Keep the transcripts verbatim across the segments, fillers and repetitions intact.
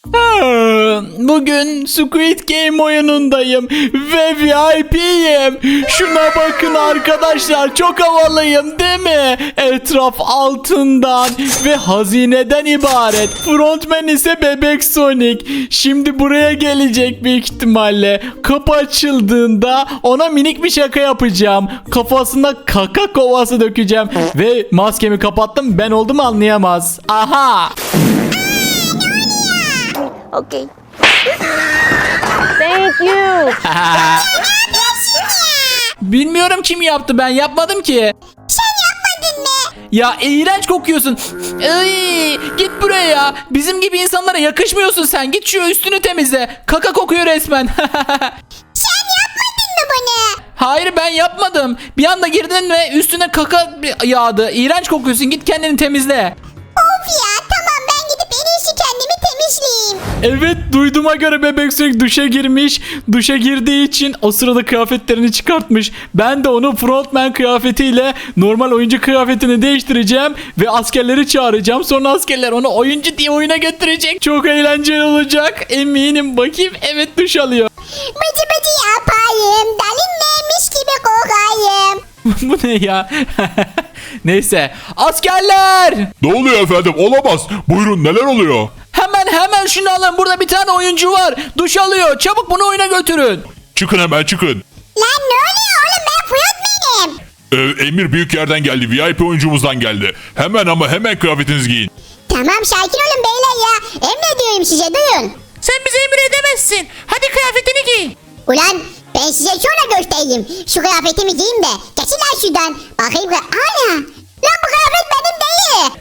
Bugün Squid Game oyunundayım ve V I P'yim. Şuna bakın arkadaşlar, çok havalıyım değil mi? Etraf altından ve hazineden ibaret. Frontman ise Bebek Sonic. Şimdi buraya gelecek büyük ihtimalle. Kapı açıldığında ona minik bir şaka yapacağım. Kafasına kaka kovası dökeceğim ve maskemi kapattım, ben oldum anlayamaz. Aha. Okay. Thank you. Bilmiyorum kim yaptı, ben yapmadım ki. Sen yapmadın mı? Ya iğrenç kokuyorsun. Ay, git buraya ya. Bizim gibi insanlara yakışmıyorsun sen. Git şu üstünü temizle. Kaka kokuyor resmen. Sen yapmadın mı bunu? Hayır, ben yapmadım. Bir anda girdin ve üstüne kaka yağdı. İğrenç kokuyorsun. Git kendini temizle. Of ya, tamam, ben gidip en iyisi kendimi temizleyeyim. Evet, duyduğuma göre Bebek Sonic duşa girmiş. Duşa girdiği için o sırada kıyafetlerini çıkartmış. Ben de onu frontman kıyafetiyle normal oyuncu kıyafetini değiştireceğim ve askerleri çağıracağım. Sonra askerler onu oyuncu diye oyuna götürecek. Çok eğlenceli olacak. Eminim. Bakayım, evet, duş alıyor. Bıcı bıcı yapayım, dalinmemiş gibi kokayım. Bu ne ya? Neyse. Askerler! Ne oluyor efendim? Olamaz. Buyurun, neler oluyor? Hemen hemen şunu alın. Burada bir tane oyuncu var. Duş alıyor. Çabuk bunu oyuna götürün. Çıkın hemen, çıkın. Lan ne oluyor oğlum, ben frontmanım. Ee, Emir büyük yerden geldi. V I P oyuncumuzdan geldi. Hemen ama hemen kıyafetinizi giyin. Tamam, sakin olun beyler ya. Emrediyorum size, duyun. Sen bize emir edemezsin. Hadi kıyafetini giy. Ulan ben size sonra göstereyim. Şu kıyafetimi giyeyim de. Geçin lan şuradan. Bakayım. Ana. Lan bu kıyafet benim değil.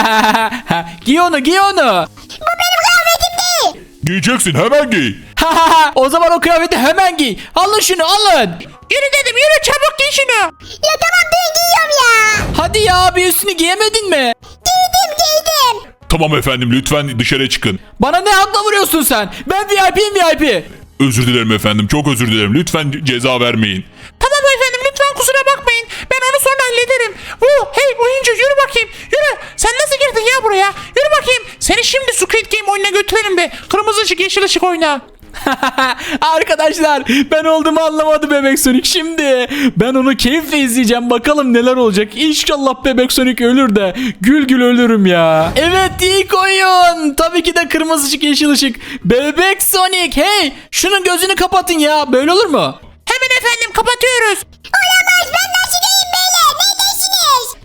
Giy onu, giy onu. Bu benim kıyafetim değil. Giyeceksin, hemen giy. O zaman o kıyafeti hemen giy. Alın şunu, alın. Yürü dedim, yürü çabuk giy şunu. Ya tamam, dün giyiyorum ya. Hadi ya, bir üstünü giyemedin mi? Giydim giydim. Tamam efendim, lütfen dışarı çıkın. Bana ne hakla vuruyorsun sen? Ben V I P'yim, V I P. Özür dilerim efendim, çok özür dilerim. Lütfen ceza vermeyin. Tamam efendim, lütfen kusura bakmayın. Ben onu sonra hallederim. Woo, hey oyuncu, yürü bakayım. Yürü. Sen nasıl girdin ya buraya? Yürü bakayım. Seni şimdi Squid Game oyununa götürelim be. Kırmızı ışık, yeşil ışık oyna. Arkadaşlar, ben olduğumu anlamadı Bebek Sonic. Şimdi ben onu keyifle izleyeceğim, bakalım neler olacak. İnşallah Bebek Sonic ölür de gül gül ölürüm ya. Evet, ilk oyun tabii ki de kırmızı ışık, yeşil ışık. Bebek Sonic, hey, şunun gözünü kapatın ya, böyle olur mu? Hemen efendim, kapatıyoruz. Olamaz, ben nasıl diyeyim beyler? Neredesiniz?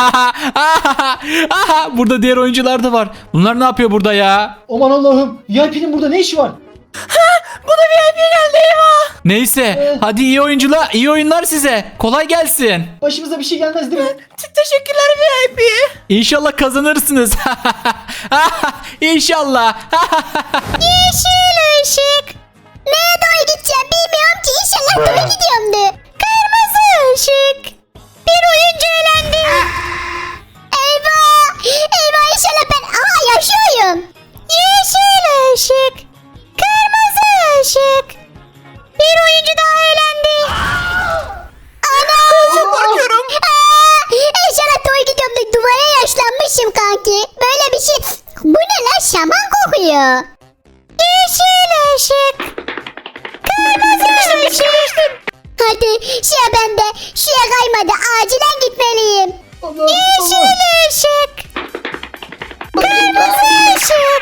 Burada diğer oyuncular da var. Bunlar ne yapıyor burada ya? Aman Allah'ım, V I P'nin burada ne işi var? Bu da V I P geldi, eyvah. Neyse, hadi iyi oyuncular, iyi oyunlar size. Kolay gelsin. Başımıza bir şey gelmez değil mi? Teşekkürler V I P. İnşallah kazanırsınız. İnşallah. Yeşil ışık. Neye doğru gideceğim bilmiyorum ki. İnşallah doğru gidiyorumdu. Kırmızı ışık. Bir oyuncu elendi. Eyvah. Eyvah, inşallah ben. Aha, yaşıyorum. Yeşil ışık. Kırmızı ışık. Bir oyuncu daha elendi. Ana. Çok korkuyorum. Aa, İnşallah doğru gidiyorum. Duvara yaşlanmışım kanki. Böyle bir şey. Bu ne lan? Şaman kokuyor. Yeşil ışık. Kırmızı ışık. Hadi sıra bende. Şuraya kaymadı. Acilen gitmeliyim. Allah, Yeşil Allah. ışık. Kırmızı ışık.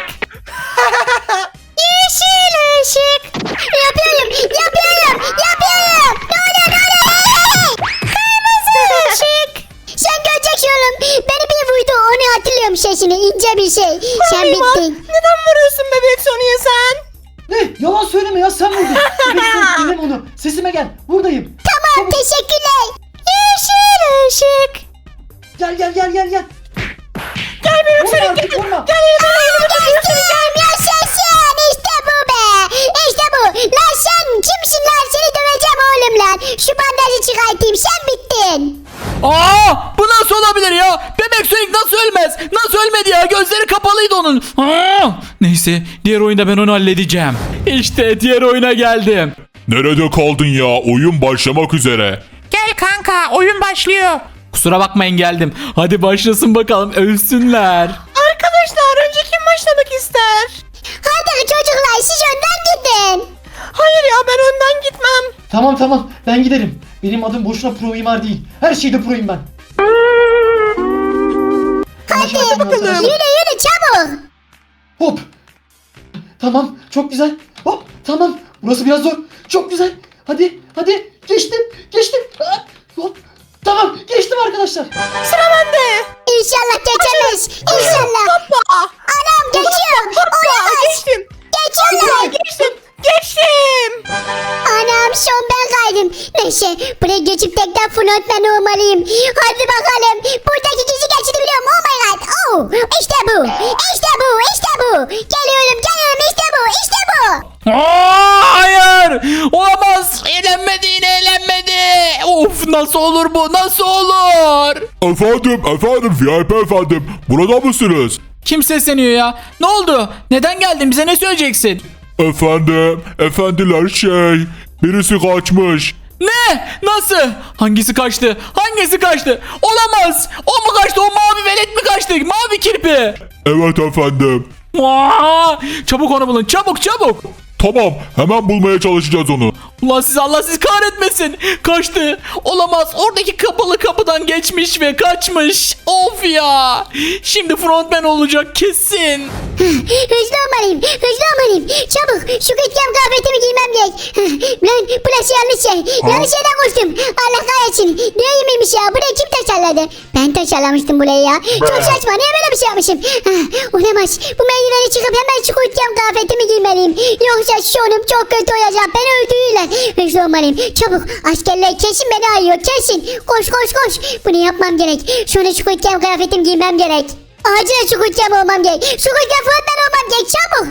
Yeşil ışık. Yapıyorum. Yapıyorum. Yapıyorum. Ne oluyor? Ne oluyor? Hey! Kırmızı ışık. Sen göreceksin oğlum. Beni bir vurdu. Onu hatırlıyorum sesini. İnce bir şey. Sen bittin. Neden vuruyorsun bebek Sonic'e sen? Ne? Yalan söyleme ya, sen vurdun. Bebek Sonic, dinleme onu. Sesime gel, buradayım. Tamam, teşekkürler. Yeşil ışık. Gel gel gel gel gel. Gel bebek Vurma Sonic, artık, gel. vurma. Gel yanıma. Geçtim, yaşasın. İşte bu be. İşte bu. Lan sen kimsin lan? Seni döveceğim oğlum lan. Şu bandajı çıkartayım. Sen bittin. Aa, bu nasıl olabilir ya? Bebek Sonic nasıl ölmez? Nasıl ölmedi ya? Gözleri kapalıydı onun. Aa! Neyse, diğer oyunda ben onu halledeceğim. İşte diğer oyuna geldim. Nerede kaldın ya? Oyun başlamak üzere. Gel kanka, oyun başlıyor. Kusura bakmayın, geldim. Hadi başlasın bakalım, ölsünler. Arkadaşlar, önce kim başlamak ister? Hadi Tamam tamam ben giderim. Benim adım boşuna pro mimar değil. Her şeyde proyum ben. Hadi Anlaşıldı mı arkadaşlar? yürü yürü çabuk. Hop. Tamam çok güzel. Hop tamam. Burası biraz zor. Çok güzel. Hadi hadi geçtim geçtim. Ah, hop. Tamam geçtim arkadaşlar. Sıra bende. İnşallah geçemez. İnşallah. Hoppa. Anam geçiyorum. Hoppa. Olamaz. Geçtim. Geçiyorlar. Geçtim. Geçtim. Anam son ben kaydım. Neyse buraya geçip tekrar frontman olmalıyım. Hadi bakalım. Buradaki kişi geçti biliyorum. Oh my god. Oh. İşte bu. İşte bu. İşte bu. Geliyorum geliyorum. İşte bu. İşte bu. Aa, hayır. Olamaz. Eğlenmedi yine eğlenmedi. Of nasıl olur bu? Nasıl olur? Efendim efendim V I P efendim. Burada mısınız? Kim sesleniyor ya? Ne oldu? Neden geldin? Bize ne söyleyeceksin? Efendim efendiler şey. Birisi kaçmış. Ne? Nasıl? Hangisi kaçtı? Hangisi kaçtı? Olamaz. O mu kaçtı? O mavi velet mi kaçtı? Mavi kirpi. Evet efendim. Aa, çabuk onu bulun. Çabuk çabuk. Tamam hemen bulmaya çalışacağız onu. Ulan siz Allah sizi kahretmesin. Kaçtı. Olamaz. Oradaki kapalı kapıdan geçmiş ve kaçmış. Of ya. Şimdi frontman olacak kesin. Hızlı olmalıyım. Hızlı olmalıyım. Çabuk. Şu küçükken kıyafetimi giymem gerek. Lan burası yanlış şey. Yanlış yerden koştum. Allah kahretsin. Ne yemeğmiş ya? Burayı kim tasarladı? Ben tasarlamıştım burayı ya. Çok saçma. Niye böyle bir şey yapmışım? Olamaz. Bu merdiveni çıkıp hemen şu küçükken kıyafetimi giymeliyim. Yoksa sonum çok kötü olacak. Beni öldürürler. Hızlı olmalıyım. Çabuk. Askerler kesin beni arıyor. Kesin. Koş koş koş. Bunu yapmam gerek. Sonra şu küçükken kıyafetimi giymem gerek. Acilen şu kutlama olmam gerek. Şu kutlama fırından olmam gerek. Çabuk.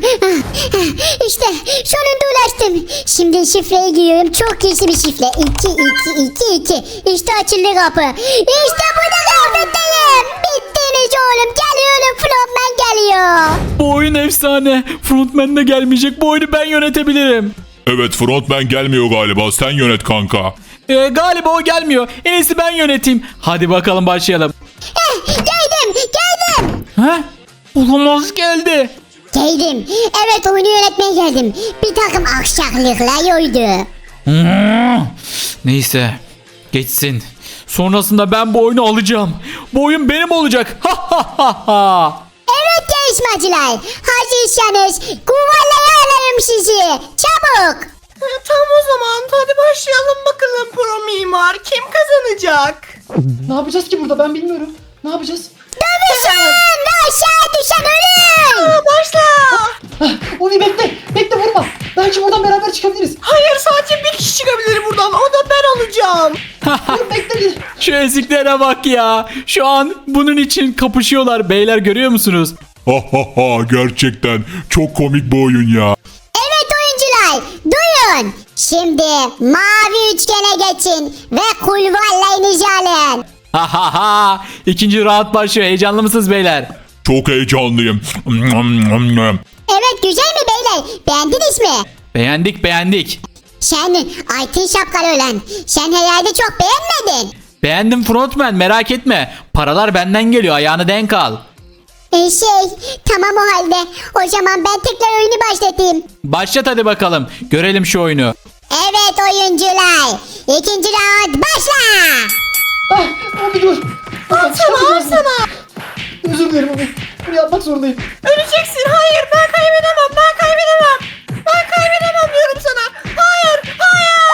İşte sonunda ulaştım. Şimdi şifreyi giriyorum. Çok gizli bir şifre. iki iki iki iki. İşte açıldı kapı. İşte burada kıyafetteyim. Bittiniz oğlum. Geliyorum. Frontman geliyor. Bu oyun efsane. Frontman de gelmeyecek. Bu oyunu ben yönetebilirim. Evet frontman gelmiyor galiba. Sen yönet kanka. Ee, galiba o gelmiyor. En iyisi ben yöneteyim. Hadi bakalım başlayalım. Eh, geldim. Geldim. Ha? Olamaz geldi. Geldim. Evet oyunu yönetmeye geldim. Bir takım aksaklıklar yoydu. Hmm. Neyse. Geçsin. Sonrasında ben bu oyunu alacağım. Bu oyun benim olacak. Ha ha ha ha. Evet yarışmacılar. Hazırsanız kuvalaya alayım sizi. Çabuk. Tamam o zaman. Hadi başlayalım bakalım pro mimar. Kim kazanacak? Ne yapacağız ki burada ben bilmiyorum. Ne yapacağız? Dövüşün ve aşağı düşen ölüm. Aa, başla. Hah, Umi bekle. Bekle vurma. Belki buradan beraber çıkabiliriz. Hayır sadece bir kişi çıkabilir buradan. O da ben olacağım. Dur bekle bir. Şu eziklere bak ya. Şu an bunun için kapışıyorlar. Beyler görüyor musunuz? Ha ha ha gerçekten çok komik bu oyun ya. Evet oyuncular duyun. Şimdi mavi üçgene geçin ve kulvarlarınızı alın. Ha ha ha. İkinci round başlıyor. Heyecanlı mısınız beyler? Çok heyecanlıyım. Evet güzel mi beyler? Beğendiniz mi? Beğendik beğendik. Sen altın şapkalı olan. Sen herhalde çok beğenmedin. Beğendim frontman merak etme. Paralar benden geliyor ayağını denk al. E şey tamam o halde. O zaman ben tekrar oyunu başlatayım. Başlat hadi bakalım. Görelim şu oyunu. Evet oyuncular. İkinci round başla. Ah Umi dur. Al sana al sana. Özür dilerim Umi. Bunu yapmak zorundayım. Öleceksin. Hayır ben kaybedemem. Ben kaybedemem. Ben kaybedemem diyorum sana. Hayır. Hayır.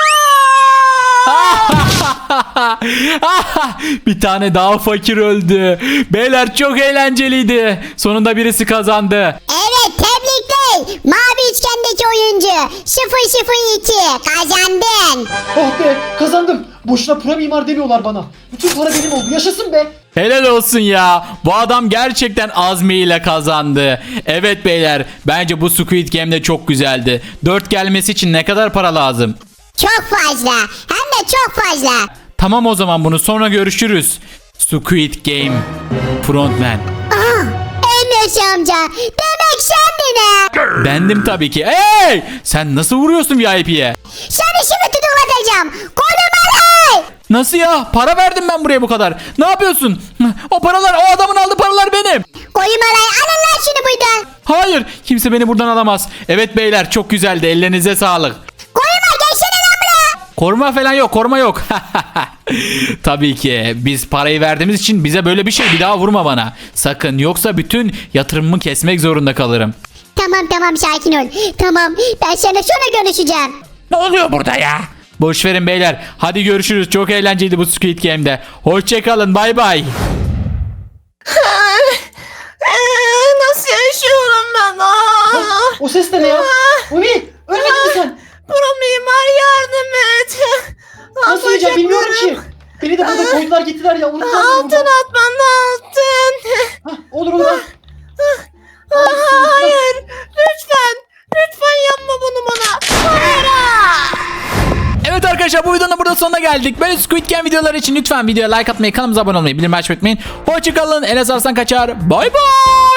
Bir tane daha fakir öldü. Beyler çok eğlenceliydi. Sonunda birisi kazandı. Evet tebrikler. Mavi üçgendeki oyuncu sıfır sıfır iki kazandın. Oh be kazandım. Boşuna pro mimar demiyorlar bana. Bütün para benim oldu. Yaşasın be. Helal olsun ya. Bu adam gerçekten azmiyle kazandı. Evet beyler bence bu Squid Game de çok güzeldi. dört gelmesi için ne kadar para lazım? Çok fazla. Hem de çok fazla. Tamam o zaman bunu sonra görüşürüz. Squid Game Frontman. Aa, Enes amca. Demek sendin ha. Bendim tabii ki. Hey! Sen nasıl vuruyorsun V I P'ye? Seni şimdi tutuklatacağım. Korumalar. Nasıl ya? Para verdim ben buraya bu kadar. Ne yapıyorsun? O paralar, o adamın aldığı paralar benim. Korumalar alın lan şunu buradan. Hayır, kimse beni buradan alamaz. Evet beyler, çok güzeldi. Ellerinize sağlık. Koruma gelsene lan buraya. Koruma falan yok, koruma yok. Tabii ki biz parayı verdiğimiz için bize böyle bir şey bir daha vurma bana. Sakın, yoksa bütün yatırımımı kesmek zorunda kalırım. Tamam tamam sakin ol. Tamam ben seninle sonra görüşeceğim. Ne oluyor burada ya? Boş verin beyler. Hadi görüşürüz. Çok eğlenceliydi bu Squid Game'de. Hoşçakalın. Bay bay. Ee, nasıl yaşıyorum ben? Aa, O ses de ne ya? Umi ölmedin mi sen? Pro mimar yardım et. Nasıl öleceğim bilmiyorum ki. Beni de burada koydular gittiler ya. Unutmaz mıyım Altın burada? at bana altın. Hah, olur olur. al. Aa, hayır. Lütfen. Lütfen yapma bunu bana. Hayır. Evet arkadaşlar, bu videonun burada sonuna geldik. Böyle Squid Game videoları için lütfen videoya like atmayı, kanalımıza abone olmayı, bildirim açmayı unutmayın. Hoşçakalın. Enes Arslan kaçar. Bay bay.